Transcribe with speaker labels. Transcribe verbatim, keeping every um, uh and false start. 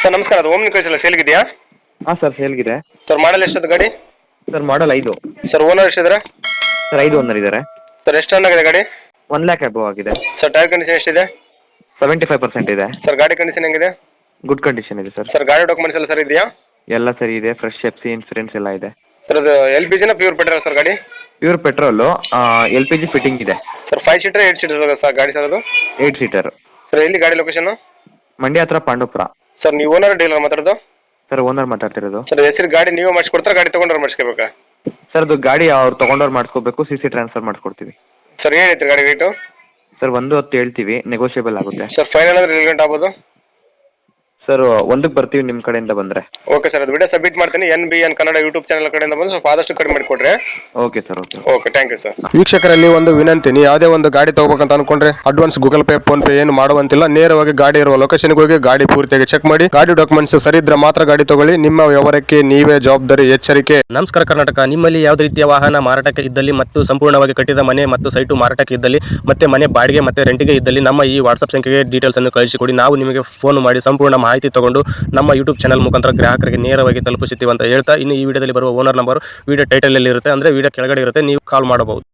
Speaker 1: Sir ನಮಸ್ಕಾರ, ಅದು Omni ಕಳಿಸಲ್ಲ ಸೇಲ್ಗಿದೆಯಾ?
Speaker 2: ಹಾಂ ಸರ್ ಸೇಲ್ಗಿದೆ.
Speaker 1: ಸರ್ ಮಾಡಲ್ ಎಷ್ಟದು ಗಾಡಿ?
Speaker 2: ಸರ್ ಮಾಡಲ್ ಐದು.
Speaker 1: ಸರ್ ಓನರ್ ಎಷ್ಟಿದ್ದಾರೆ?
Speaker 2: ಸರ್ ಐದು ಓನರ್ ಇದ್ದಾರೆ.
Speaker 1: ಸರ್ ಎಷ್ಟು ರನ್ ಆಗಿದೆ ಗಾಡಿ?
Speaker 2: ಒನ್ ಲ್ಯಾಕ್ ಅಬವ್ ಆಗಿದೆ.
Speaker 1: ಸರ್ ಟೈರ್ ಕಂಡೀಷನ್ ಎಷ್ಟಿದೆ?
Speaker 2: ಸೆವೆಂಟಿ ಫೈವ್ ಪರ್ಸೆಂಟ್ ಇದೆ.
Speaker 1: ಸರ್ ಗಾಡಿ ಕಂಡೀಷನ್ ಹೆಂಗಿದೆ?
Speaker 2: ಗುಡ್ ಕಂಡೀಷನ್ ಇದೆ ಸರ್.
Speaker 1: ಸರ್ ಗಾಡಿ ಡಾಕ್ಯುಮೆಂಟ್ಸ್ ಎಲ್ಲ ಸರ್ ಇದೆಯಾ?
Speaker 2: ಎಲ್ಲ ಸರಿ ಇದೆ. ಫ್ರೆಶ್ ಎಫ್ ಸಿ ಇನ್ಸೂರೆನ್ಸ್ ಎಲ್ಲ ಇದೆ.
Speaker 1: ಸರ್ ಅದು ಎಲ್ ಪಿ ಜಿನ ಪ್ಯೂರ್ ಪೆಟ್ರೋಲ್ ಸರ್ ಗಾಡಿ?
Speaker 2: Pure petrol. L P G fitting ಇದೆ.
Speaker 1: Sir five seater eight seater sir ಗಾಡಿ ಸರ್ ಅದು?
Speaker 2: Eight seater.
Speaker 1: ಸರ್ ಎಲ್ಲಿ ಗಾಡಿ ಲೊಕೇಶನ್?
Speaker 2: ಮಂಡ್ಯ ಹತ್ರ ಪಾಂಡುಪುರ.
Speaker 1: ಸರ್ ನೀವು ಓನರ್ ಡೀಲರ್ ಮಾತಾಡೋದು?
Speaker 2: ಸರ್ ಓನರ್ ಮಾತಾಡ್ತಿರೋದು.
Speaker 1: ಸರ್ ಹೆಸರು ಗಾಡಿ ನೀವೇ ಮಾಡಿಸ್ಕೊಡ್ತಾರೆ, ಗಾಡಿ ತೊಗೊಂಡ್ರೆ ಮಾಡಿಸ್ಕೋಬೇಕಾ?
Speaker 2: ಸರ್ ಅದು ಗಾಡಿ ಅವ್ರು ತೊಗೊಂಡವ್ರು ಮಾಡಿಸ್ಕೋಬೇಕು, ಸಿ ಸಿ ಟ್ರಾನ್ಸ್ಫರ್ ಮಾಡಿಸ್ಕೊಡ್ತೀವಿ.
Speaker 1: ಸರ್ ಏನೈತೆ ಗಾಡಿ ರೇಟು?
Speaker 2: ಸರ್ ಒಂದು ಹತ್ತು ಹೇಳ್ತೀವಿ, ನೆಗೋಷಿಯಬಲ್ ಆಗುತ್ತೆ.
Speaker 1: ಸರ್ ಫೈನಲ್ ಅಂದ್ರೆ ಎಲ್ಲಿ ಗಂಟೆ ಆಗ್ಬೋದು?
Speaker 2: ಸರ್ ಒಂದಕ್ಕೆ ಬರ್ತೀವಿ ನಿಮ್ಮ ಕಡೆಯಿಂದ ಬಂದರೆ.
Speaker 1: ಓಕೆ ಸರ್, ಅದು ವಿಡಿಯೋ ಸಬ್ಮಿಟ್ ಮಾಡ್ತೀನಿ. N B N Kannada YouTube channel ಕಡೆಯಿಂದ ಬಂದು ಸ್ವಲ್ಪ ಆದಷ್ಟು ಕಡಿಮೆ ಮಾಡಿಕೊಡ್ರಿ.
Speaker 2: Okay sir. Okay
Speaker 1: okay thank you sir.
Speaker 3: ವೀಕ್ಷಕರಲ್ಲಿ ಒಂದು ವಿನಂತಿ, ನೀವು ಯಾವುದೇ ಒಂದು ಗಾಡಿ ತಗೋಬೇಕಂತ ಅನ್ಕೊಂಡ್ರೆ advance Google Pay PhonePe ಏನು ಮಾಡುವಂತಿಲ್ಲ. ನೇರವಾಗಿ ಗಾಡಿ ಇರುವ ಲೊಕೇಶನ್ಗೆ ಹೋಗಿ ಗಾಡಿ ಪೂರ್ತಿಯಾಗಿ ಚೆಕ್ ಮಾಡಿ, ಗಾಡಿ ಡಾಕ್ಯುಮೆಂಟ್ಸ್ ಸರಿ ಇದ್ರೆ ಮಾತ್ರ ಗಾಡಿ ತಗೊಳ್ಳಿ. ನಿಮ್ಮ ವ್ಯವಹಾರಕ್ಕೆ ನೀವೇ ಜವಾಬ್ದಾರಿ. ಎಚ್ಚರಿಕೆ.
Speaker 4: ನಮಸ್ಕಾರ ಕರ್ನಾಟಕ. ನಿಮ್ಮಲ್ಲಿ ಯಾವುದೇ ರೀತಿಯ ವಾಹನ ಮಾರಾಟಕ್ಕೆ ಇದ್ದಲ್ಲಿ ಮತ್ತು ಸಂಪೂರ್ಣವಾಗಿ ಕಟ್ಟಿದ ಮನೆ ಮತ್ತು ಸೈಟು ಮಾರಾಟಕ್ಕೆ ಇದ್ದಲ್ಲಿ ಮತ್ತೆ ಮನೆ ಬಾಡಿಗೆ ಮತ್ತು ರೆಂಟಿಗೆ ಇದ್ದಲ್ಲಿ ನಮ್ಮ ಈ ವಾಟ್ಸ್ಆಪ್ ಸಂಖ್ಯೆಗೆ ಡೀಟೇಲ್ಸ್ ಅನ್ನು ಕಳಿಸಿಕೊಡಿ. ನಾವು ನಿಮಗೆ ಫೋನ್ ಮಾಡಿ ಸಂಪೂರ್ಣ ಮಾಹಿತಿ ತಗೊಂಡು ನಮ್ಮ ಯೂಟ್ಯೂಬ್ ಚಾನಲ್ ಮುಖಾಂತರ ಗ್ರಾಹಕರಿಗೆ ನೇರವಾಗಿ ತಲುಪಿಸುತ್ತೀವಿ ಅಂತ ಹೇಳ್ತಾ, ಇನ್ನು ಈ ವಿಡಿಯೋದಲ್ಲಿ ಬರುವ ಓನರ್ ನಂಬರ್ ವಿಡಿಯೋ ಟೈಟಲ್ ಅಲ್ಲಿ ಇರುತ್ತೆ, ಅಂದ್ರೆ ವಿಡಿಯೋ ಕೆಳಗಡೆ ಇರುತ್ತೆ, ನೀವು ಕಾಲ್ ಮಾಡಬಹುದು.